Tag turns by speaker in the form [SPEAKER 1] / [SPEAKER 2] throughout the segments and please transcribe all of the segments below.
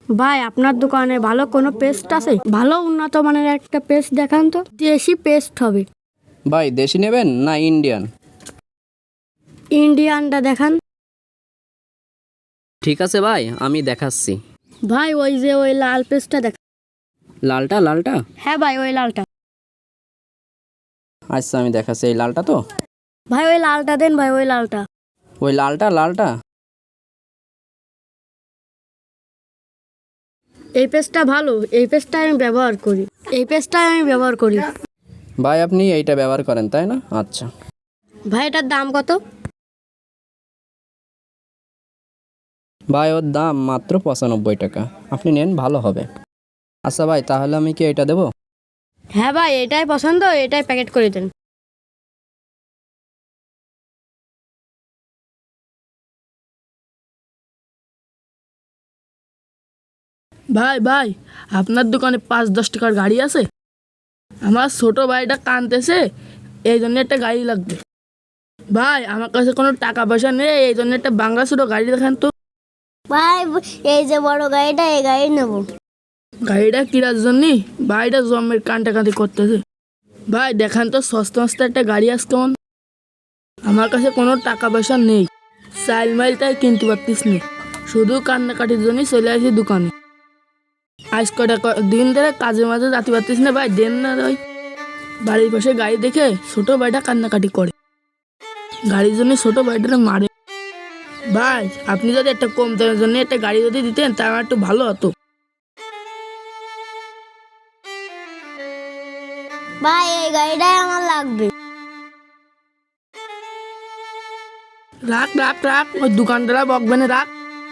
[SPEAKER 1] ভাই আপনার দোকানে ভালো কোনো পেস্ট আছে? ভালো উন্নত মানের একটা পেস্ট দেখান তো, দেশি পেস্ট হবে।
[SPEAKER 2] ভাই দেশি নেবেন না ইন্ডিয়ান?
[SPEAKER 1] ইন্ডিয়ানটা দেখান।
[SPEAKER 2] ঠিক আছে ভাই, আমি দেখাচ্ছি।
[SPEAKER 1] ভাই ওই যে ওই লাল পেস্টটা দেখান।
[SPEAKER 2] লালটা লালটা
[SPEAKER 1] হ্যাঁ ভাই ওই লালটা।
[SPEAKER 2] আচ্ছা আমি দেখাচ্ছি, এই লালটা তো?
[SPEAKER 1] ভাই ওই লালটা দেন ভাই, ওই লালটা।
[SPEAKER 2] ওই লালটা লালটা
[SPEAKER 1] এই পেস্টটা ভালো, এই পেস্টটা আমি ব্যবহার করি, এই পেস্টটা আমি ব্যবহার করি।
[SPEAKER 2] ভাই আপনি এইটা ব্যবহার করেন তাই না? আচ্ছা
[SPEAKER 1] ভাই এটার দাম কত?
[SPEAKER 2] ভাই ওর দাম মাত্র 95 টাকা, আপনি নেন ভালো হবে। আচ্ছা ভাই তাহলে আমি কি এটা দেবো?
[SPEAKER 1] হ্যাঁ ভাই এটাই পছন্দ, এটাই প্যাকেট করে দেন।
[SPEAKER 3] ভাই ভাই, আপনার দোকানে 5-10 টাকার গাড়ি আছে? আমার ছোট ভাইটা কাঁদতেছে, এই জন্য একটা গাড়ি লাগবে। ভাই আমার কাছে কোনো টাকা পয়সা নেই, এই জন্য একটা বাংলা ছোট গাড়ি দেখান তো।
[SPEAKER 4] ভাই এই যে বড় গাড়িটা, এই গাড়ি নেবো।
[SPEAKER 3] গাড়িটা কিনার জন্যে ভাইটা জমের কান্দাকাটি করতেছে। ভাই দেখান তো সস্তা মস্তা একটা গাড়ি আছে কেমন? আমার কাছে কোনো টাকা পয়সা নেই, চাইল মাইল তাই কিনতে পারতিস নি, শুধু কান্নাকাটির জন্যই চলে আসি দোকানে। আজ কটা দিন ধরে কাজে মাঝে যাতে পারতিস না, ভাই দেন না ভাই। বাড়ির পাশে গাড়ি দেখে ছোট ভাইটা কান্নাকাটি করে, গাড়ির জন্য ছোট ভাইটা মারে। ভাই আপনি যদি একটা কম দামের জন্য একটা গাড়ি যদি দিতেন তা আমার একটু ভালো হতো।
[SPEAKER 4] ভাই এই গাড়িটাই আমার লাগবে।
[SPEAKER 3] রাখ রাখ রাখ, ওই দোকানদারা বকবে না, রাখ।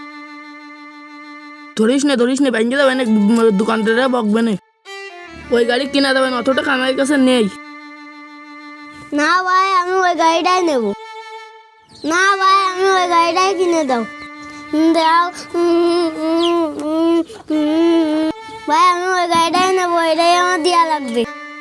[SPEAKER 3] ধরিস নে ব্যাংকে যাবে না, দোকানদারা বকবে না। ওই গাড়ি কিনা যাবে না, অত টাকা আমার কাছে নেই।
[SPEAKER 4] না ভাই আমি ওই গাড়িটাই নেব। না ভাই আমি ওই গাড়িটাই কিনে দাও, দাও। ভাই আমি ওই গাড়িটাই নেবো, এটাই আমার দেওয়া লাগবে।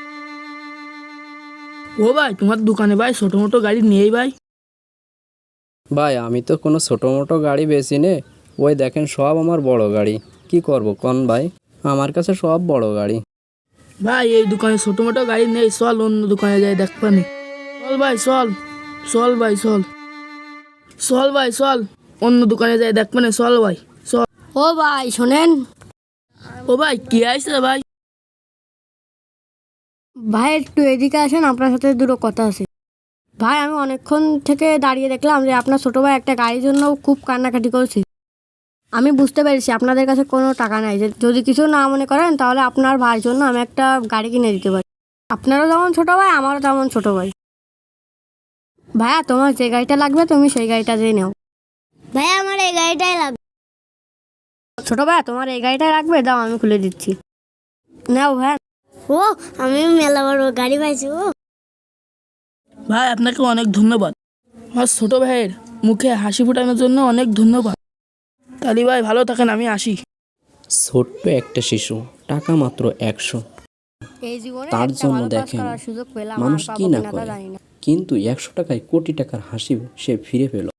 [SPEAKER 3] ও ভাই তোমার দোকানে ভাই ছোট মোটো গাড়ি নেই ভাই?
[SPEAKER 2] ভাই আমি তো কোনো ছোটো মোটো গাড়ি বেশি নে, ওই দেখেন সব আমার বড় গাড়ি, কি করব কোন ভাই, আমার কাছে সব বড় গাড়ি।
[SPEAKER 3] ভাই এই দোকানে ছোট মোটো গাড়ি নেই, চল অন্য দোকানে যাই দেখবানি। চল ভাই চল, চল ভাই চল, চল ভাই চল, অন্য দোকানে যাই দেখবানি, চল ভাই চল।
[SPEAKER 1] ও ভাই শোনেন।
[SPEAKER 3] ও ভাই কি আইছে ভাই?
[SPEAKER 1] ভাই একটু এদিকে আসেন, আপনার সাথে দুটো কথা আছে। ভাই আমি অনেকক্ষণ থেকে দাঁড়িয়ে দেখলাম যে আপনার ছোটো ভাই একটা গাড়ির জন্য খুব কান্নাকাটি করছে। আমি বুঝতে পেরেছি আপনাদের কাছে কোনো টাকা নাই, যে যদি কিছু না মনে করেন তাহলে আপনার ভাইয়ের জন্য আমি একটা গাড়ি কিনে দিতে পারি। আপনারও যেমন ছোটো ভাই, আমারও তেমন ছোটো ভাই। ভাইয়া তোমার যে গাড়িটা লাগবে তুমি সেই গাড়িটা দিয়ে নাও।
[SPEAKER 4] ভাই আমার এই গাড়িটাই লাগবে।
[SPEAKER 1] ছোটো ভাইয়া তোমার এই গাড়িটাই লাগবে, দাও আমি খুলে দিচ্ছি, নাও ভাইয়া।
[SPEAKER 4] ও আমি মেলা বড় গাড়ি পাইছি। ও
[SPEAKER 3] ভাই আপনাকে অনেক ধন্যবাদ, আমার ছোট ভাইয়ের মুখে হাসি ফোটানোর জন্য অনেক ধন্যবাদ। তালি ভাই ভালো থাকেন, আমি আসি।
[SPEAKER 2] ছোট্ট একটা শিশু, টাকা মাত্র 100,
[SPEAKER 1] এই জীবনে
[SPEAKER 2] তার
[SPEAKER 1] একটা
[SPEAKER 2] জন্য
[SPEAKER 1] ভালো কাজ
[SPEAKER 2] দেখেন
[SPEAKER 1] করার সুযোগ পেলাম, আর
[SPEAKER 2] মানুষ
[SPEAKER 1] পাবো
[SPEAKER 2] কি না
[SPEAKER 1] কিনা তা
[SPEAKER 2] করে,
[SPEAKER 1] জানি না।
[SPEAKER 2] কিন্তু 100 টাকায় কোটি টাকার হাসি সে ফিরে পেল।